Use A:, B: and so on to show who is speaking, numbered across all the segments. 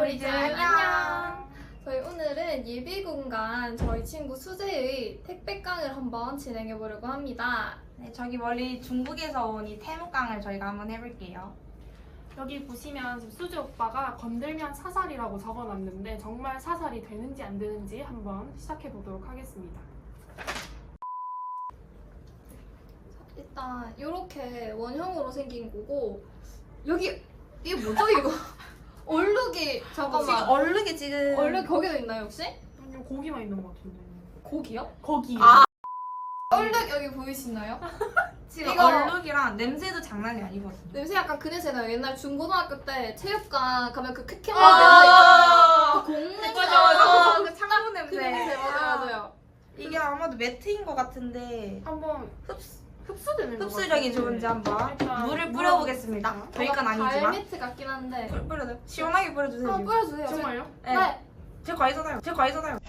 A: 우리 집 안녕.
B: 저희 오늘은 예비 공간 저희 친구 수재의 택배깡을 한번 진행해 보려고 합니다.
A: 네, 저기 멀리 중국에서 온 이 태무깡을 저희가 한번 해볼게요.
C: 여기 보시면 지금 수지 오빠가 건들면 사살이라고 적어놨는데 정말 사살이 되는지 안 되는지 한번 시작해 보도록 하겠습니다.
B: 일단 이렇게 원형으로 생긴 거고 여기 이게 뭐죠 이거? 얼룩이 잠깐만.
A: 지금 얼룩이 지금
B: 얼룩 거기도 있나요 혹시?
C: 아니요, 고기만 있는 것 같은데.
B: 고기요?
C: 거기.
A: 아.
B: 얼룩 여기 보이시나요?
A: 지금
B: 이거-
A: 얼룩이랑 냄새도 장난이 아니거든요.
B: 냄새 약간 그 냄새나요. 옛날 중고등학교 때 체육관 가면 그 쾌쾌한
A: 아,
B: 냄새 있죠? 그 공냄새.
A: 맞아. 그 창문
B: 그
A: 냄새.
B: 냄새 맞아요.
A: 이게 아마도 매트인 것 같은데
C: 한번 흡수되는 것
A: 흡수력이
C: 같은데.
A: 좋은지 한번
C: 일단
A: 물을 뿌려보겠습니다. 저희 건 아니지만
B: 발매트 같긴 한데.
A: 물 뿌려요. 시원하게 뿌려주세요.
B: 한번 뿌려주세요.
C: 정말요?
A: 네. 제 과이잖아요. 제 과이잖아요.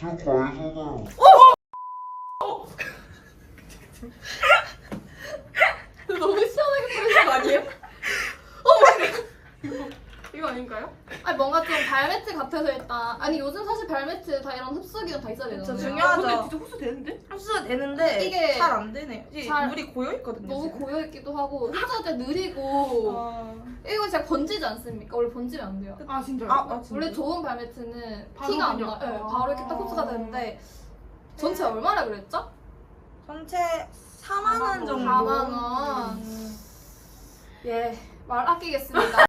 B: 너무 시원하게 뿌리는 거 아니에요?
C: 이거 아닌가요?
B: 아니 뭔가 좀 발매트 같아서 일단 아니 요즘 사실 발매트 다 이런 흡수기가 다 있어야
A: 그쵸,
B: 되잖아요.
A: 중요하죠.
C: 근데 진짜 흡수되는데?
A: 흡수가 되는데
B: 이게
A: 잘 안 되네요. 이게
B: 잘-
A: 물이 고여 있거든요.
B: 너무
A: 지금.
B: 고여 있기도 하고 흡수할 때 느리고 이거 진짜 번지지 않습니까? 원래 번지면 안 돼요.
C: 아 진짜요?
B: 원래 좋은 발매트는
C: 바로
B: 티가 안
C: 그냥-
B: 나. 네,
C: 아.
B: 바로 이렇게 딱 흡수가 되는데 전체 얼마나 그랬죠?
A: 전체 4만 원 정도.
B: 4만 원. 예, 말 아끼겠습니다.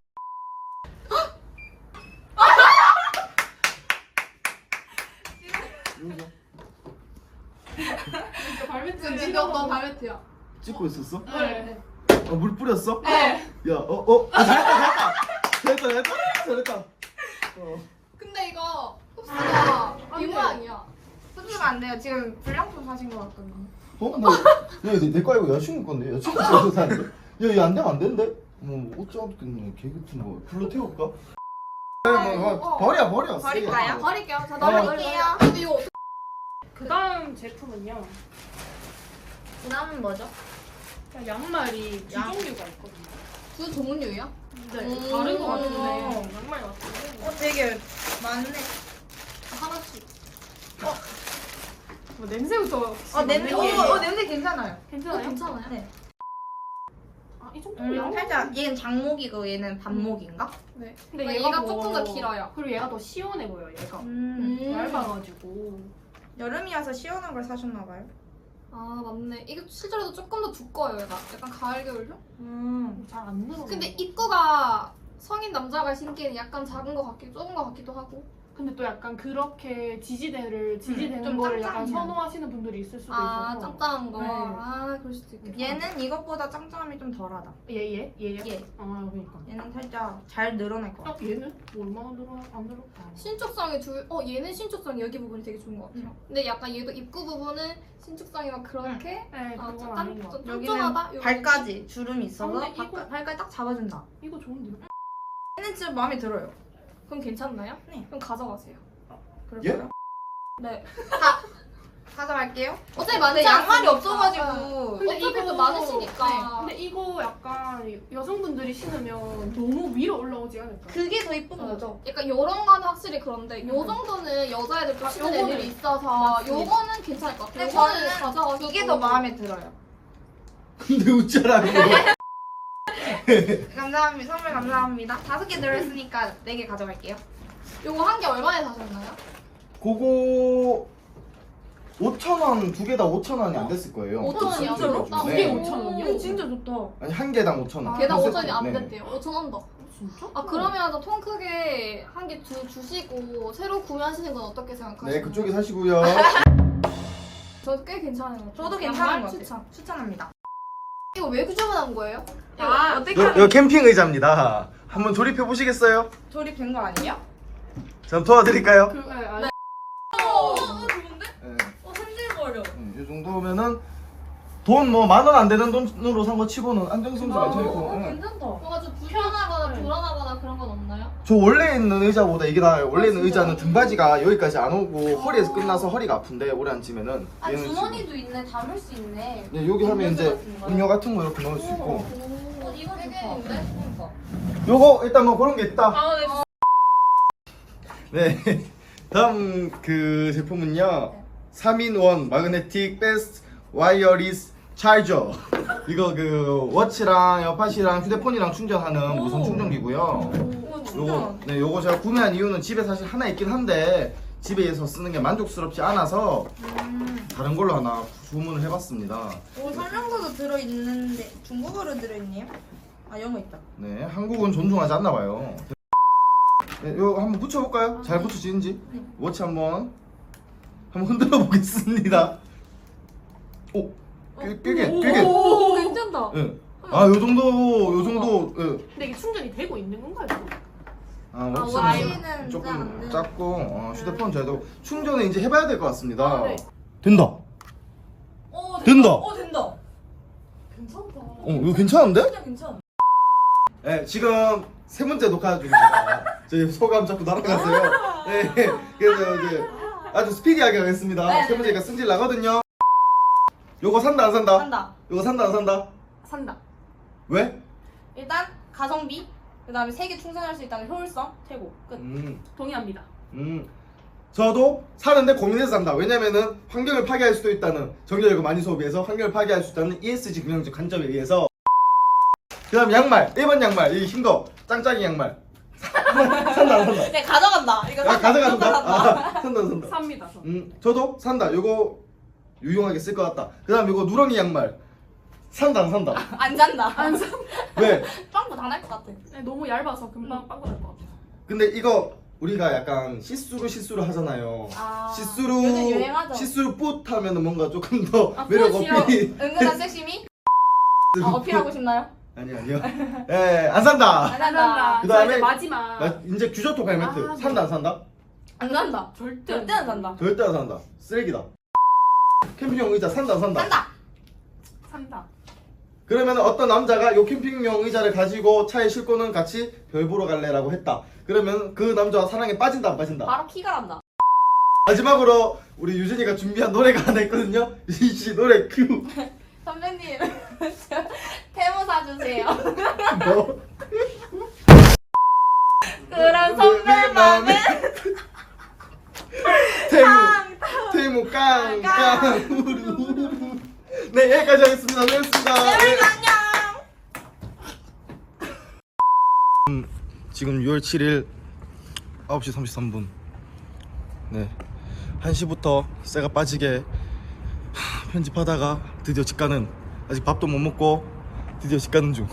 C: 이거 발매트.
B: 지금 너 발매트야.
D: 찍고 있었어?
C: 네.
D: 물 뿌렸어?
B: 네.
D: 야, 잘했다.
B: 근데 이거 흡수가 이 모양이야.
A: 흡수가 안 돼요. 지금 불량품 사신 것 같거든요.
D: 뭐, 내 거 아니고 여자친구 건데, 여자친구 집에서 사는데? 야, 이거 안 되면 안 되는데? 어쩌겠네, 개 같은 거. 불러 태울까? 버려.
A: 버릴까요?
B: 버릴게요. 자,
D: 어.
A: 버릴게요.
B: 근데 이거 어떻게
C: 그 다음 제품은요.
A: 그다음은 뭐죠?
C: 양말이 두
A: 양.
C: 종류가 있거든요.
B: 두 종류야?
C: 네,
B: 음.
C: 다른 것 같은데 양말 같은데.
A: 되게 많네.
B: 하나씩.
C: 뭐 냄새부터.
A: 냄새. 냄새 괜찮아요.
C: 괜찮아요?
B: 괜찮아요?
A: 네.
C: 아, 이 정도면
A: 살짝 얘는 장목이고 얘는 반목인가?
B: 네.
C: 근데
B: 근데
C: 얘가
B: 얘가 조금 더 길어요.
C: 그리고 얘가 더 시원해 보여. 얘가
B: 음.
C: 얇아가지고.
A: 여름이어서 시원한 걸 사셨나 봐요.
B: 아 맞네. 이게 실제로도 조금 더 두꺼워요. 얘가 약간 가을 겨울용.
C: 잘 안 늘어.
B: 근데 입구가 성인 남자가 신기에는 약간 작은 것 같기도 좁은 것 같기도 하고.
C: 근데 또 약간 그렇게 지지되는
A: 좀
C: 거를 약간
A: 짱짱해요.
C: 선호하시는 분들이 있을 수도
B: 아
C: 있어서.
B: 짱짱한 거.
C: 네.
B: 아 그럴 수도 있겠다.
A: 얘는 이것보다 짱짱함이 좀 덜하다.
C: 얘요?
A: 얘.
C: 아 그러니까.
A: 얘는 살짝 잘 늘어날 것 같아.
C: 얘는 뭐 얼마나 안 늘어?
B: 신축성이 얘는 신축성이 여기 부분이 되게 좋은 것 같아요. 근데 약간 얘도 입구 부분은 신축성이 막 그렇게
C: 네,
B: 아,
C: 그건 아닌 것 같아.
B: 쫀쫀하다?
A: 여기는 발까지 주름이 있어서
C: 근데 이거-
A: 발까지 딱 잡아준다.
C: 이거 좋은데요?
A: 얘는 진짜 마음에 들어요.
B: 그럼 괜찮나요?
A: 네.
B: 그럼 가져가세요.
A: 그럴까요?
B: 네.
A: 가져갈게요.
B: 어차피
A: 근데
B: 많지
A: 양말이
B: 않으니까.
A: 없어가지고.
B: 근데 어차피 또 많으시니까.
C: 네. 근데 이거 약간 여성분들이 신으면 너무 위로 올라오지 않을까?
A: 그게 더 이쁜
B: 어.
A: 거죠.
B: 약간 요런 거는 확실히 그런데 요 정도는 여자애들도 신는
C: 요거는-
B: 애들이 있어서
A: 맞습니다.
B: 요거는 괜찮을 것 같아요.
A: 근데
B: 요거는
A: 저는
B: 가져가서
A: 이게 더 마음에 들어요.
D: 근데 웃잖아, 이거.
A: 감사합니다. 선물 감사합니다. 5개 들어있으니까 4개 가져갈게요.
B: 요거 한 개 얼마에 사셨나요?
D: 그거 5,000원, 두 개 다 5,000원이 안 됐을 거예요.
B: 5,000원이요?
A: 진짜로?
B: 아,
C: 두
D: 네.
C: 개 5,000원이요?
A: 이거 진짜 좋다.
D: 아니, 한 개당 5,000원.
B: 개당
D: 한
B: 5,000원이 안
D: 세트. 네.
B: 됐대요. 5,000원 더.
C: 진짜?
B: 아 그러면 통 크게 한 개 주시고 새로 구매하시는 건 어떻게 생각하시나요?
D: 네, 그쪽에 사시고요.
B: 저 꽤 괜찮은 것 같아요.
A: 저도 괜찮은
B: 양말
A: 것 같아요.
B: 추천.
A: 추천합니다.
B: 이거 왜 주문한 거예요?
A: 아, 어떻게
D: 이거 캠핑 의자입니다. 한번 조립해 보시겠어요?
A: 조립된 거 아니에요?
D: 저 도와드릴까요?
C: 그, 네, 아니,
A: 좋은데?
D: 네.
A: 흔들거려.
D: 이 정도면은 돈 뭐 10,000원 안 되는 돈으로 산 거 치고는 안정성도 괜찮고. 네.
A: 괜찮다.
B: 뭔가 좀 불편하거나
C: 네.
B: 불안하거나 그런 건 없나요?
D: 저 원래 있는 의자보다 이게 나아요. 원래 있는
B: 진짜요?
D: 의자는 등받이가 여기까지 안 오고 허리에서 끝나서 허리가 아픈데 오래 앉으면은
A: 아,
D: 얘는
A: 주머니도 있네. 담을 수 있네.
D: 지금- 네, 여기 하면 이제
A: 같은 거요?
D: 음료 같은 거 이렇게 넣을 수 있고.
A: 이거
B: 되게
A: 좋다.
B: 있는데?
A: 그러니까.
D: 요거 일단 뭐 그런 게 있다.
A: 아, 네.
D: 네. 다음 그 제품은요. 3인원 마그네틱 베스트 와이어리스 차이저. 이거 그 워치랑 에어팟이랑 휴대폰이랑 충전하는 무선 충전기고요.
A: 오, 충전.
D: 요거 제가 구매한 이유는 집에 사실 하나 있긴 한데 집에서 쓰는 게 만족스럽지 않아서 다른 걸로 하나 주문을 해봤습니다.
A: 오, 설명서도 들어있는데 중국어로 들어있네요? 아, 영어 있다.
D: 네, 한국은 존중하지 않나 봐요. 네, 이거 한번 붙여볼까요? 잘 붙여지는지.
A: 네.
D: 워치 한번 흔들어 보겠습니다. 오, 꽤.
B: 오, 괜찮다.
D: 예. 아, 요 정도. 예.
C: 근데 이게 충전이 되고 있는 건가요?
D: 아,
A: 워치는
D: 워치는 조금
A: 작은데.
D: 작고 휴대폰 저도 충전을 이제 해봐야 될 것 같습니다.
C: 아, 네.
D: 된다. 된다.
A: 된다.
B: 괜찮다.
D: 이거 괜찮은데?
A: 진짜 괜찮아.
D: 네, 지금 세 번째 녹화 중입니다. 저희 소감 자꾸 날아갔어요. 네, 그래서 이제 아주 스피디하게 하겠습니다.
A: 네,
D: 세 번째가 승질 나거든요. 요거 산다 안 산다?
A: 한다.
D: 요거 산다 안 산다?
C: 산다.
D: 왜?
A: 일단 가성비, 그다음에 3개 충전할 수 있다는 효율성 최고. 끝.
C: 동의합니다.
D: 저도 사는데 고민해서 산다. 왜냐면은 환경을 파괴할 수도 있다는, 전기력을 많이 소비해서 환경을 파괴할 수 있다는 ESG 경영적 관점에 의해서. 그 다음 양말, 1번 양말, 이 흰 거, 짱짱이 양말. 산다 안 산다?
A: 네, 가져간다. 이거
D: 아, 가져간다?
A: 산다.
D: 아, 산다 산다.
C: 삽니다. 저.
D: 저도 산다. 요거 유용하게 쓸 것 같다. 그 다음 요거 누렁이 양말. 산다 안 산다?
A: 안 잔다.
C: 안 사.
D: 왜?
A: 빵꾸 다 날 것 같아.
C: 네, 너무 얇아서 금방 빵꾸 날 것 같아요.
D: 근데 이거 우리가 약간 시스루 하잖아요.
A: 아,
D: 시스루
A: 요즘 유행하죠.
D: 시스루 뿌 하면은 뭔가 조금 더
C: 아,
D: 매력
C: 뿌시요?
D: 어필이.
A: 은근한 섹시미? 어필하고 싶나요?
D: 아니요. 예, 안 산다.
A: 안 잔다.
D: 그다음에
C: 저 이제 마지막.
D: 이제 규저톡 헬멧.
C: 아,
D: 산다 안 산다?
A: 안 잔다.
C: 절대
A: 절대 안 잔다.
D: 절대 안 산다. 쓰레기다. 캠핑용 의자 산다 안 산다?
A: 산다.
C: 산다.
D: 그러면 어떤 남자가 요 캠핑용 의자를 가지고 차에 싣고는 같이 별 보러 갈래라고 했다. 그러면 그 남자와 사랑에 빠진다 안 빠진다?
A: 바로 키가 난다.
D: 마지막으로 우리 유진이가 준비한 노래가 하나 있거든요. 유진 씨 노래 큐.
A: 선배님, 태모 사주세요.
D: 뭐?
A: 그런 선배 맘에
D: 태무 깡깡 우루. 네, 여기까지 하겠습니다. 수고했습니다.
A: 안녕.
D: 지금 6월 7일 9시 33분. 네, 1시부터 쇠가 빠지게 편집하다가 드디어 집 가는, 아직 밥도 못 먹고 드디어 집 가는 중.